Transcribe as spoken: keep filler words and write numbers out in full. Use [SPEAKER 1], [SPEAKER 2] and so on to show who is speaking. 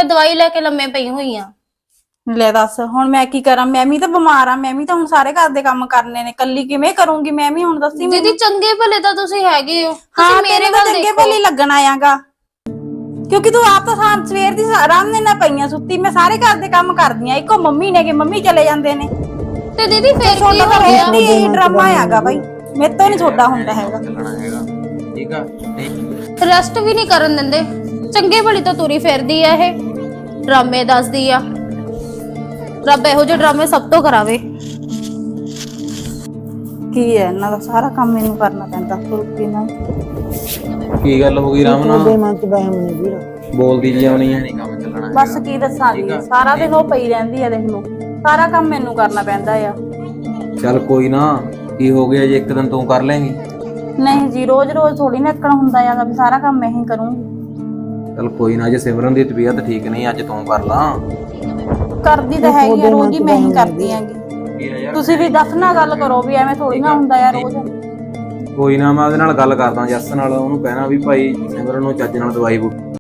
[SPEAKER 1] ਮੈਂ ਦਵਾਈ ਲੈ ਕੇ ਲੰਮੇ ਪਈ ਹੋਈ ਆ।
[SPEAKER 2] ਲੈ ਦੱਸ ਹੁਣ ਮੈਂ ਕੀ ਕਰਾਂ, ਮੈਂ ਵੀ ਤਾਂ ਬਿਮਾਰ ਆ, ਮੈਂ ਵੀ ਤਾਂ ਹੁਣ ਸਾਰੇ ਘਰ ਦੇ ਕੰਮ ਕਰਨੇ ਨੇ, ਕੱਲੀ ਕਿਵੇਂ ਕਰੂੰਗੀ ਮੈਂ ਵੀ, ਹੁਣ ਦੱਸੀ ਮੈਨੂੰ।
[SPEAKER 1] ਦੀਦੀ ਚੰਗੇ ਭਲੇ ਤਾਂ ਤੁਸੀਂ ਹੈਗੇ ਹੋ,
[SPEAKER 2] ਹਾਂ
[SPEAKER 1] ਤੁਸੀਂ ਮੇਰੇ
[SPEAKER 2] ਮੇਰੇ
[SPEAKER 1] ਵੱਲ
[SPEAKER 2] ਚੰਗੇ
[SPEAKER 1] ਦੇਖੋ।
[SPEAKER 2] ਭਲੇ ਲੱਗਣ ਆਇਆਗਾ, ਕਿਉਂਕਿ ਤੂੰ ਆਪ ਤਾਂ ਸਾਰ ਸਵੇਰ ਦੀ ਆਰਾਮ ਨਾਲ ਪਈਆਂ ਸੁੱਤੀ, ਮੈਂ ਸਾਰੇ ਘਰ ਦੇ ਕੰਮ ਕਰਦੀ ਆ, ਇੱਕੋ ਮੰਮੀ ਨੇ ਕਿ ਮੰਮੀ ਚਲੇ ਜਾਂਦੇ ਨੇ।
[SPEAKER 1] ਤੇ ਦੀਦੀ ਫੇਰ ਕੀ
[SPEAKER 2] ਤੁਹਾਡਾ
[SPEAKER 1] ਹੋ
[SPEAKER 2] ਤਾਂ
[SPEAKER 1] ਗਿਆ?
[SPEAKER 2] ਰੋਜ਼ ਹੀ ਇਹ ਡਰਾਮਾ ਆਗਾ ਬਾਈ, ਮੇਰੇ ਤੋਂ ਨਹੀਂ ਤੁਹਾਡਾ ਹੁੰਦਾ ਹੈਗਾ।
[SPEAKER 3] ਚੱਲਣਾ ਹੈਗਾ ਠੀਕ ਆ।
[SPEAKER 1] ਰੈਸਟ ਵੀ ਨਹੀਂ ਕਰਨ ਦਿੰਦੇ, ਚੰਗੇ ਭਲੀ ਤਾਂ ਤੁਰੀ ਫਿਰਦੀ ਆ ਇਹ, ਡਰਾਮੇ ਦੱਸਦੀ ਆ। ਰੱਬ ਇਹੋ ਜਿਹੇ ਡਰਾਮੇ ਸਭ ਤੋਂ ਕਰਾਵੇ।
[SPEAKER 2] ਕੀ ਹੈ ਇਹਨਾਂ ਦਾ ਸਾਰਾ ਕੰਮ ਮੈਨੂੰ ਕਰਨਾ ਪੈਂਦਾ, ਫੁਲਕੀ ਨਾਲ।
[SPEAKER 3] ਕੀ ਗੱਲ ਹੋ ਗਈ ਰਾਮ
[SPEAKER 4] ਉਹਦੇ
[SPEAKER 3] ਨਾਲ
[SPEAKER 4] ਮਨ ਚ ਬਹਿਮ ਨਹੀਂ ਵੀਰ।
[SPEAKER 3] ਬੋਲਦੀ ਜੀ ਆਉਣੀ ਹੈ ਨਹੀਂ ਕੰਮ ਚੱਲਣਾ ਹੈਗਾ।
[SPEAKER 2] ਬਸ ਕੀ ਦੱਸਾਂ ਜੀ, ਸਾਰਾ ਦਿਨ ਉਹ ਪਈ ਰਹਿੰਦੀ ਆ, ਦੇਖ ਲਓ ਸਾਰਾ ਕੰਮ ਮੈਨੂੰ ਕਰਨਾ ਪੈਂਦਾ ਆ।
[SPEAKER 3] ਚੱਲ ਕੋਈ ਨਾ, ਕੀ ਹੋ ਗਿਆ ਜੇ ਇੱਕ ਦਿਨ ਤੂੰ ਕਰ ਲੇਂਗੀ?
[SPEAKER 2] ਨਹੀਂ ਜੀ, ਰੋਜ਼ ਰੋਜ਼ ਥੋੜੀ ਨਾ ਇੱਕਣ ਹੁੰਦਾ ਹੈਗਾ ਵੀ ਸਾਰਾ ਕੰਮ ਮੈਂ ਹੀ ਕਰੂੰਗੀ।
[SPEAKER 3] ਚੱਲ ਕੋਈ ਨਾ, ਜੇ ਸਿਮਰਨ ਦੀ ਤਬੀਅਤ ਠੀਕ ਨਹੀਂ ਅੱਜ ਤੂੰ ਕਰ ਲਾ।
[SPEAKER 2] ਕਰਦੀ ਤਾਂ ਹੈਗੀ ਆ, ਰੋਜ਼ ਹੀ ਮੈਂ ਹੀ ਕਰਦੀ ਆਂਗੀ। ਤੁਸੀਂ ਵੀ ਦੱਸ ਨਾ ਗੱਲ ਕਰੋ ਵੀ ਐਵੇਂ ਥੋੜੀ ਨਾ ਹੁੰਦਾ ਆ ਰੋਜ਼।
[SPEAKER 3] ਕੋਈ ਨਾ, ਮੈਂ ਉਹਦੇ ਨਾਲ ਗੱਲ ਕਰਦਾ ਜੱਸ ਨਾਲ, ਉਹਨੂੰ ਕਹਿਣਾ ਵੀ ਭਾਈ ਸਿਮਰਨ ਨੂੰ ਚੱਜ ਨਾਲ ਦਵਾਈ ਬੂਟੀ